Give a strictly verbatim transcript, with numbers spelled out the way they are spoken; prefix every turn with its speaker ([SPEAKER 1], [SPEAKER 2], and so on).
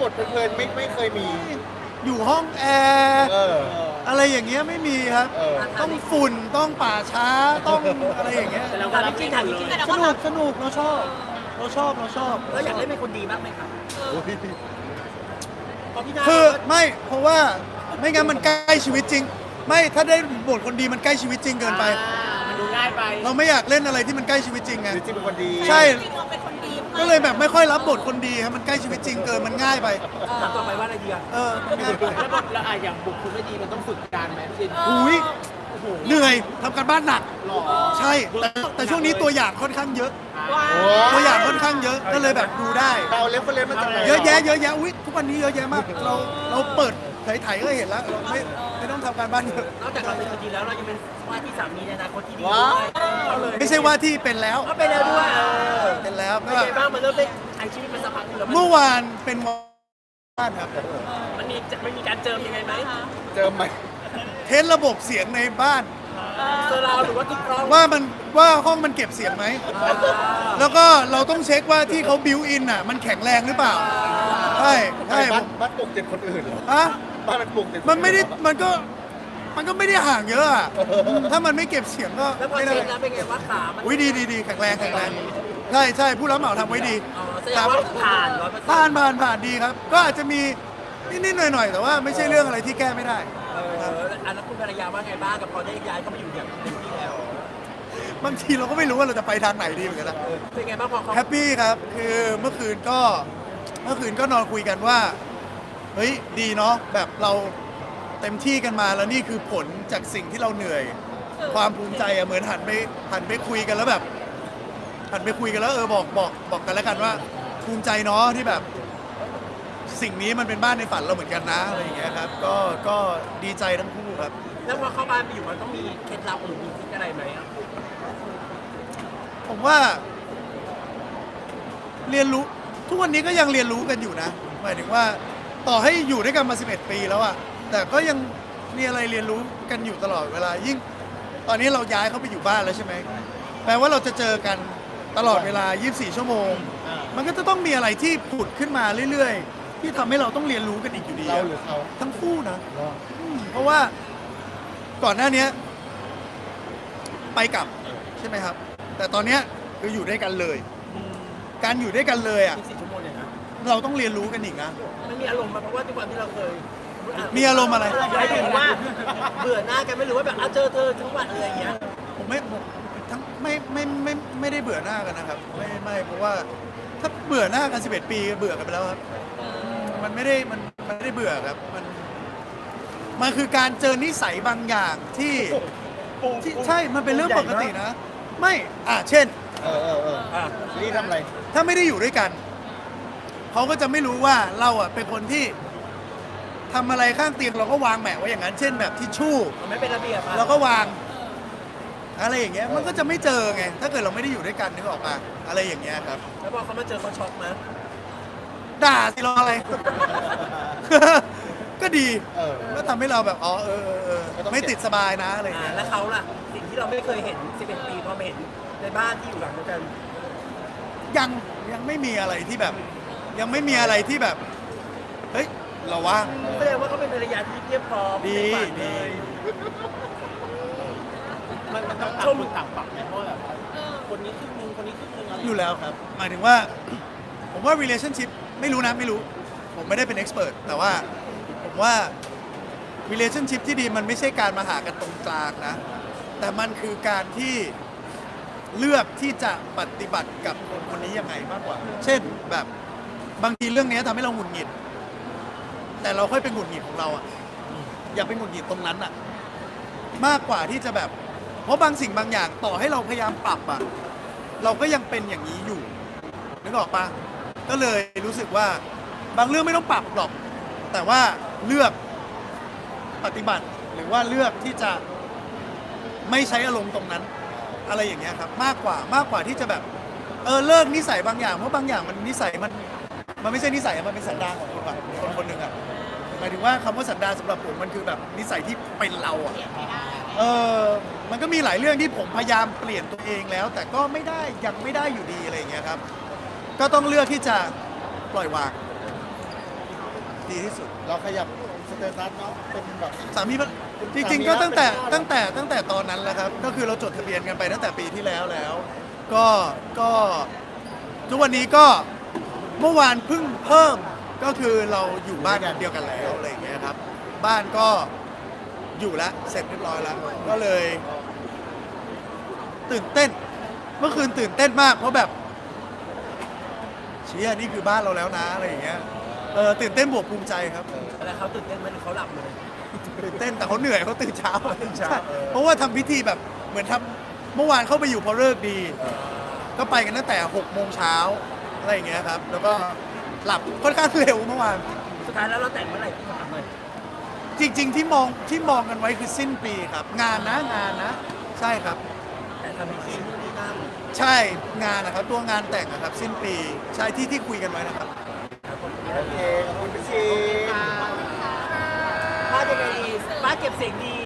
[SPEAKER 1] บทเพลินๆไม่ไม่เคยมี
[SPEAKER 2] อยู่ห้องแอร์
[SPEAKER 1] เออ
[SPEAKER 2] อะไรอย่างเงี้ยไม่มีครับ
[SPEAKER 1] เออ
[SPEAKER 2] ต้องฝุ่นต้องป่าช้าต้องอะไรอย่างเงี้ย
[SPEAKER 3] แต่เราก็รับจริงถามจริง
[SPEAKER 2] สนุกสนุกเราชอบเราชอบเราชอบ
[SPEAKER 3] แล้วอยากเล่นเป็นคนดีบ้างไหมครับเพราะพี่นา
[SPEAKER 2] คือไม่เพราะว่าไม่งั้นมันใกล้ชีวิตจริง ไม่ถ้าได้บทคนดีมันใกล้ชีวิตจริงเกินไป
[SPEAKER 3] มันดูง่ายไป
[SPEAKER 2] เราไม่อยากเล่นอะไรที่มันใกล้ชีวิตจริงไง
[SPEAKER 1] หรือจริงเป็นคนดี
[SPEAKER 2] ใช่
[SPEAKER 4] จริงเราเป็นคนดี
[SPEAKER 2] ก็เลยแบบไม่ค่อยรับบทคนดีครับมันใกล้ชีวิตจริงเกินมันง่ายไป
[SPEAKER 3] ถามต่อไปว่าอะไรดีอ่ะ
[SPEAKER 2] เออมันง่ายไป
[SPEAKER 3] แล้วบทแล้วอ่ะอย่างบุคคลไม่ดีมันต้องฝึกการไหมพี่จิน
[SPEAKER 2] อุ้ยเหนื่อยทำการบ้านหนัก
[SPEAKER 3] หล่อ
[SPEAKER 2] ใช่แต่แต่ช่วงนี้ตัวอย่างค่อนข้างเยอะ
[SPEAKER 4] ว้า
[SPEAKER 1] โอ้
[SPEAKER 2] ตัวอย่างค่อนข้างเยอะก็เลยแบบดูได้
[SPEAKER 1] เราเล่นคนเล่นมาจากไหน
[SPEAKER 2] เยอะแยะเยอะแยะอุ้ยทุกวันนี้เยอะแยะมากเราเราเปิดไถๆก็เห็นแล้วเราไม่ไม่ต้องทำการบ้านเยอะ
[SPEAKER 3] นอกจากเราเป็นคนดีแล้วเรายังเป็นว่าที่สามีในอนาคตที่ดี
[SPEAKER 1] ว้า
[SPEAKER 3] ด้วยเอาเลย
[SPEAKER 2] ไม่ใช่ว่าที่เป็นแล้ว
[SPEAKER 3] ก็ไปแล้วด้วยเออ
[SPEAKER 2] เป็นแล้ว
[SPEAKER 3] เป็น
[SPEAKER 2] ก็
[SPEAKER 3] ไงบ้างมันเริ่มได้ใช้ชีวิตมาสักพักหนึงแล้วมัน
[SPEAKER 2] เมื่อวานเป็นวันบ้านครับ
[SPEAKER 3] มันมีจะมันมีการเจิมยังไงไหม
[SPEAKER 1] เจอไหม
[SPEAKER 2] เทสระบบเสียงในบ้าน
[SPEAKER 3] เจอเราหรือว่าติ๊กกล้อง
[SPEAKER 2] ว่ามันว่าห้องมันเก็บเสียงไหมแล้วก็เราต้องเช็คว่าที่เขาบิวอินอ่ะมันแข็งแรงหรือเปล่าใช่ใช่ผ
[SPEAKER 1] บ้าน
[SPEAKER 2] ม
[SPEAKER 1] บ้านปลูกติดคนอื่นเหรอ
[SPEAKER 2] อะ
[SPEAKER 1] บ้านมันปลูกติดค
[SPEAKER 2] มันไม่ได้
[SPEAKER 1] อื่เหรอ
[SPEAKER 2] มันก็มันก็ไม่ได้ห่างเยอะอะถ้ามันไม่เก็บเสียงก็
[SPEAKER 3] แล้วพอ
[SPEAKER 2] ไม่ได้
[SPEAKER 3] เช็คแล้วเป็นไงว่าขา มัน
[SPEAKER 2] อุ้ยดีดีดีแข็งแรงแข็งแรงใช่ใช่ผู้รับเหมาทำไว้ดี
[SPEAKER 3] อ๋อแสดงว่าผ่านร้อยเปอร์เซ็นต์
[SPEAKER 2] ผ่านผ่านผ่านดีครับ ก็อาจจะมีนิดๆหน่อยๆแต่ว่าไม่ใช่เรื่องอะไรที่แก้ไม่ได้
[SPEAKER 3] เอออันนั้นคุณภรรยาว่าไงบ้างกับพอได้ย้ายเข้ามาอยู่อย่างเต็มที่แล้ว
[SPEAKER 2] บางทีเราก็ไม่รู้ว่าเราจะไปทางไหนดีเหมือนกันนะ
[SPEAKER 3] เป็นไงบ้างพอเขา
[SPEAKER 2] แฮปปี้ครับคือเมื่อคืนก็เมื่อคืนก็นอนคุยกันว่าเฮ้ยดีเนาะแบบเราเต็มที่กันมาแล้วนี่คือผลจากสิ่งที่เราเหนื่อย ความภูมิใจอะเหมือนหันไปหันไปคุยกันแล้วแบบหันไปคุยกันแล้วเออบอกบอกบอกกันแล้วกันว่าภูมิใจเนาะที่แบบสิ่งนี้มันเป็นบ้านในฝันเราเหมือนกันนะอะไรอย่างเงี้ยครับก็ก็ดีใจทั้งคู่ครับ
[SPEAKER 3] แล้วพอเข้าบ้านไปอยู่มันต้องมีเคล็ดลับหรือมีทริคอะไรไหมอะ
[SPEAKER 2] ผมว่า เรียนรู้ทุกวันนี้ก็ยังเรียนรู้กันอยู่นะหมายถึงว่าต่อให้อยู่ด้วยกันมาสิบเอ็ดปีแล้วอะแต่ก็ยังมีอะไรเรียนรู้กันอยู่ตลอดเวลายิ่ง ตอนนี้เราย้ายเข้าไปอยู่บ้านแล้วใช่ไหมแปลว่าเราจะเจอกันตลอดเวลายี่สิบสี่ชั่วโมง มันก็จะต้องมีอะไรที่ผุดขึ้นมาเรื่อยๆ ที่ทำให้เราต้องเรียนรู้กันอีกอยู่ดี
[SPEAKER 1] เรา
[SPEAKER 2] อะ
[SPEAKER 1] หรือเขา
[SPEAKER 2] ทั้งคู่นะ
[SPEAKER 1] เหรอ
[SPEAKER 2] เพราะว่าก่อนหน้าเนี้ยไปกลับใช่ไหมครับ แต่ตอนเนี้ยคืออยู่ด้วยกันเลย การอยู่ด้วยกันเลยอ่ะ
[SPEAKER 3] ยี่สิบสี่ชั่วโมงเนี่ยนะ
[SPEAKER 2] เราต้องเรียนรู้กันอีกนะ
[SPEAKER 3] มันมีอารมณ์มาเพราะว่าทุกวันที่เราเคย
[SPEAKER 2] มีอารมณ์อะไร
[SPEAKER 3] หมายถึงว่าเบื่อหน้ากันไม่หรือว่าแบบเอาเจอเธอทั้งวันอะไรอย่างเงี้ย
[SPEAKER 2] ผมไม่ผมทั้งไม่ไม่ไม่ไม่ได้เบื่อหน้ากันนะครับ ไม่ไม่เพราะว่าถ้าเบื่อหน้ากันสิบเอ็ดปีเบื่อกันไปแล้วครับมันไม่ได้มันมันไม่ได้เบื่อครับมันมันคือการเจอนิสัยบางอย่างที่ที่ใช่มันเป็นเรื่องปกตินะ ไม่อ่ะเช่น
[SPEAKER 1] เออเออเออ
[SPEAKER 3] อ่ะ
[SPEAKER 1] นี่ทำอะไร
[SPEAKER 2] ถ้าไม่ได้อยู่ด้วยกัน เขาก็จะไม่รู้ว่าเราอ่ะเป็นคนที่ทำอะไรข้างเตียงเราก็วางแหมะไว้อย่างนั้น เช่นแบบทิชชู่
[SPEAKER 3] มันไม่เป็นระเบียบอะ
[SPEAKER 2] เราก็วาง อะไรอย่างเงี้ย มันก็จะไม่เจอไง ถ้าเกิดเราไม่ได้อยู่ด้วยกันนึกออกมาอะไรอย่างเงี้ยครับ
[SPEAKER 3] แล้วพอเขามาเจอเขาช็อกไหม
[SPEAKER 2] ด่าสิรออะไร ก็ดี
[SPEAKER 1] เออ
[SPEAKER 2] ก็ทำให้เราแบบอ๋อเออเออเออ
[SPEAKER 1] ก็ต้อง
[SPEAKER 2] ไม่ติดสบายนะอะไรอย่าง
[SPEAKER 3] อ่า
[SPEAKER 2] เงี้ย
[SPEAKER 3] แล้วเขาล่ะสิ่งที่เราไม่เคยเห็นสิบเอ็ดปีพอมาเห็นในบ้านที่อยู่หลังเดียวกัน
[SPEAKER 2] ยังยังไม่มีอะไรที่แบบ ยังไม่มีอะไรที่แบบ เฮ้ยเราว่าง
[SPEAKER 3] แสดงว่าเขาเป็นภรรยาที่เรียบพร้อม
[SPEAKER 2] ดี
[SPEAKER 3] ในฝัน
[SPEAKER 2] ดี
[SPEAKER 3] เลย
[SPEAKER 5] มันมันต้องต่างคนต่างปรับไหมเพราะว่าแบบคนนี้ครึ่งนึงคนนี้ครึ่งนึงอะไร
[SPEAKER 2] อยู่แล้วครับ หมายถึงว่า ผมว่า relationship ไม่รู้นะไม่รู้ ผมไม่ได้เป็น expert แต่ว่าผมว่า relationship ที่ดีมันไม่ใช่การมาหากันตรงกลางนะ แต่มันคือการที่เลือกที่จะปฏิบัติกับคนคนนี้ยังไงมากกว่า เช่นแบบบางทีเรื่องนี้ทำให้เราหงุดหงิด แต่เราค่อยเป็นหงุดหงิดของเราอะอย่าไปหงุดหงิดตรงนั้นอะมากกว่าที่จะแบบ เพราะบางสิ่งบางอย่างต่อให้เราพยายามปรับอะเราก็ยังเป็นอย่างนี้อยู่นึกออกปะก็เลยรู้สึกว่าบางเรื่องไม่ต้องปรับหรอก แต่ว่าเลือกปฏิบัติหรือว่าเลือกที่จะไม่ใช้อารมณ์ตรงนั้น อะไรอย่างเงี้ยครับ มากกว่ามากกว่าที่จะแบบเออเลิกนิสัยบางอย่างเพราะบางอย่างมันนิสัยมันมันไม่ใช่นิสัยอะมันเป็นสันดานของคนแบบคนคนหนึ่งอะหมายถึงว่าคำว่าสันดานสำหรับผมมันคือแบบนิสัยที่เป็นเราอะเออมันก็มีหลายเรื่องที่ผมพยายามเปลี่ยนตัวเองแล้ว แต่ก็ไม่ได้ยังไม่ได้อยู่ดีอะไรอย่างเงี้ยครับ ก็ต้องเลือกที่จะปล่อยวาง
[SPEAKER 5] อ
[SPEAKER 2] ดีที่สุด
[SPEAKER 1] เราขยับสเตตัสเนาะเป็นแบบ
[SPEAKER 2] สามีภรรจริงๆก็ตั้งแต่ตั้งแต่ตั้งแต่ตอนนั้นแหละครับ ก็คือเราจดทะเบียนกันไปตั้งแต่ปีที่แล้วแล้ว ก็ก็ทุกวันนี้ก็เมื่อวานเพิ่งเพิ่มก็คือเราอยู่บ้านเดียวกันแล้วอะไรอย่างเงี้ยครับ บ้านก็อยู่แล้วเสร็จเรียบร้อยแล้ว ก็เลย ตื่นเต้น เมื่อคืนตื่นเต้นมากเพราะแบบเชี่ยนี่คือบ้านเราแล้วนะอะไรอย่างเงี้ยเออตื่นเต้นบวกภูมิใจครับ
[SPEAKER 3] แล้วเขาตื่นเต้นไหมหรือเขาหลับเลย
[SPEAKER 2] ตื่นเต้นแต่เขาเหนื่อยเขาตื่นเช้าใช่เพราะว่าทำพิธีแบบเหมือนทำเมื่อวานเข้าไปอยู่พอเลิกษ์ดี ก็ไปกันตั้งแต่หกโมงเช้าอะไรอย่างเงี้ยครับ แล้วก็หลับค่อนข้างเร็วเมื่อวาน
[SPEAKER 3] สุดท้ายแล้วเราแต่งเมื่อไหร่พี่ถามหน่อย
[SPEAKER 2] จริง ๆ ที่มองที่มองกันไว้คือสิ้นปีครับ งานนะงานนะ ใช่ครับ
[SPEAKER 3] แต่ทำพิธีนู่นนี่นั่น
[SPEAKER 2] ใช่งานนะครับตัวงานแต่งนะครับ สิ้นปีใช่ที่ที่คุยกันไว้นะครับ
[SPEAKER 1] โอเคขอบคุณพี่ชี
[SPEAKER 3] ป้าจะไงดีป้าเก็บเสียงดี